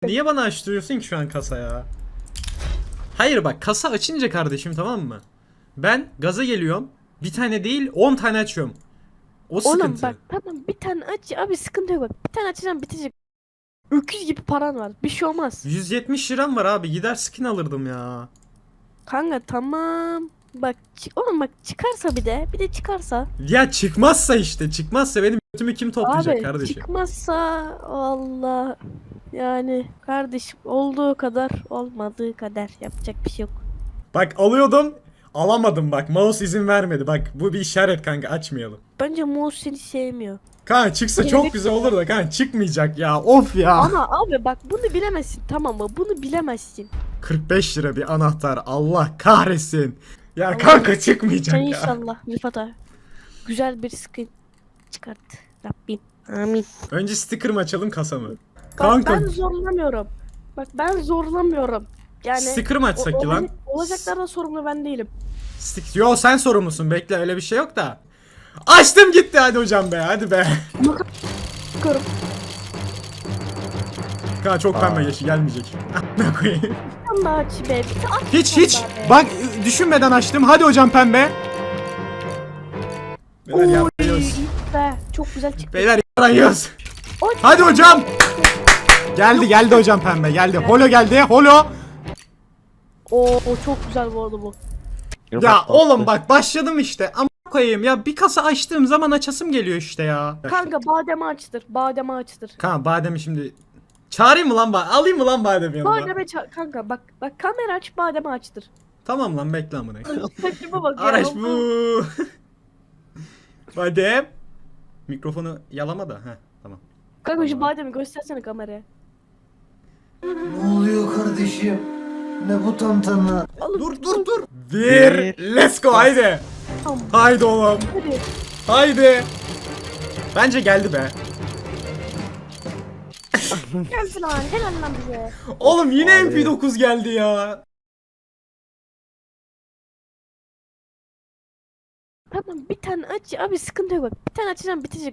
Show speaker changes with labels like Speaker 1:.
Speaker 1: Niye bana açtırıyorsun ki şu an kasa ya? Hayır bak, kasa açınca kardeşim, tamam mı? Ben gaza geliyorum. Bir tane değil 10 tane açıyorum. O
Speaker 2: Oğlum
Speaker 1: sıkıntı.
Speaker 2: bak tamam bir tane aç abi, sıkıntı yok bak. Bir tane açacağım bitecek. Öküz gibi paran var. Bir şey olmaz.
Speaker 1: 170 liram var abi, gider skin alırdım ya.
Speaker 2: Kanka tamam. Bak oğlum bak, çıkarsa bir de çıkarsa.
Speaker 1: Ya çıkmazsa işte, çıkmazsa benim götümü kim toplayacak
Speaker 2: Abi
Speaker 1: kardeşim?
Speaker 2: çıkmazsa Allah, yani kardeşim olduğu kadar olmadığı kadar yapacak bir şey yok.
Speaker 1: Bak alıyordum, alamadım bak, mouse izin vermedi. Bak bu bir işaret kanka, açmayalım.
Speaker 2: Bence mouse seni sevmiyor.
Speaker 1: Kanka çıksa çok
Speaker 2: Kelebek
Speaker 1: güzel olur da kanka çıkmayacak ya, of ya.
Speaker 2: Ama abi bak bunu bilemezsin, tamam mı? Bunu bilemezsin.
Speaker 1: 45 lira bir anahtar, Allah kahretsin. Ya
Speaker 2: Allah
Speaker 1: kanka
Speaker 2: Sen
Speaker 1: çıkmayacak ya.
Speaker 2: inşallah Rıfat'a güzel bir skin çıkart Rabbim. Amin.
Speaker 1: Önce sticker mı açalım, kasa mı?
Speaker 2: Bak
Speaker 1: Kanka
Speaker 2: ben zorlamıyorum. Bak ben zorlamıyorum. Yani
Speaker 1: sticker mı açsak ki lan?
Speaker 2: olacaklardan sorumlu ben değilim.
Speaker 1: Yo sen sorumlusun, bekle, öyle bir şey yok da. Açtım gitti, hadi hocam be, hadi be.
Speaker 2: Bakıyorum.
Speaker 1: Kanka çok pembe yaşı gelmeyecek. Ne koyayım?
Speaker 2: Bir tane daha aç be. Bir tane aç
Speaker 1: Hiç
Speaker 2: bir
Speaker 1: hiç.
Speaker 2: tane daha be.
Speaker 1: Bak düşünmeden açtım. Hadi hocam pembe. Beyler
Speaker 2: Oy,
Speaker 1: yarayıyoruz.
Speaker 2: be. Çok güzel çıktı.
Speaker 1: Beyler yarayıyoruz.
Speaker 2: Oy.
Speaker 1: Hadi hocam. Geldi hocam pembe, geldi. Holo geldi. Holo.
Speaker 2: O çok güzel bu arada bu.
Speaker 1: Ya oğlum bak başladım işte. Ama koyayım ya, bir kasa açtığım zaman açasım geliyor işte ya.
Speaker 2: Kanka bademe açtır. Bademe açtır.
Speaker 1: Kanka bademi şimdi çağırayım mı lan, alayım mı lan bademi yanıma?
Speaker 2: Kanka bak kamera aç, bademe açtır.
Speaker 1: Tamam lan, bekle amına.
Speaker 2: Saçıma bak ya.
Speaker 1: Araç bu. Badem. Mikrofonu yalama da. Heh, tamam.
Speaker 2: Kanka şu bademi göstersene kameraya.
Speaker 3: Ne oluyor kardeşim? Ne bu tantana?
Speaker 2: Oğlum,
Speaker 1: Dur. Bir. Let's go, haydi.
Speaker 2: Tamam.
Speaker 1: Haydi oğlum.
Speaker 2: Hadi.
Speaker 1: Haydi. Bence geldi be.
Speaker 2: Gelsin lan. Helal lan bize.
Speaker 1: Oğlum yine
Speaker 3: Abi.
Speaker 1: MP9 geldi ya.
Speaker 2: Tamam bir tane aç abi, sıkıntı yok bak. Bir tane açacağım bitecek.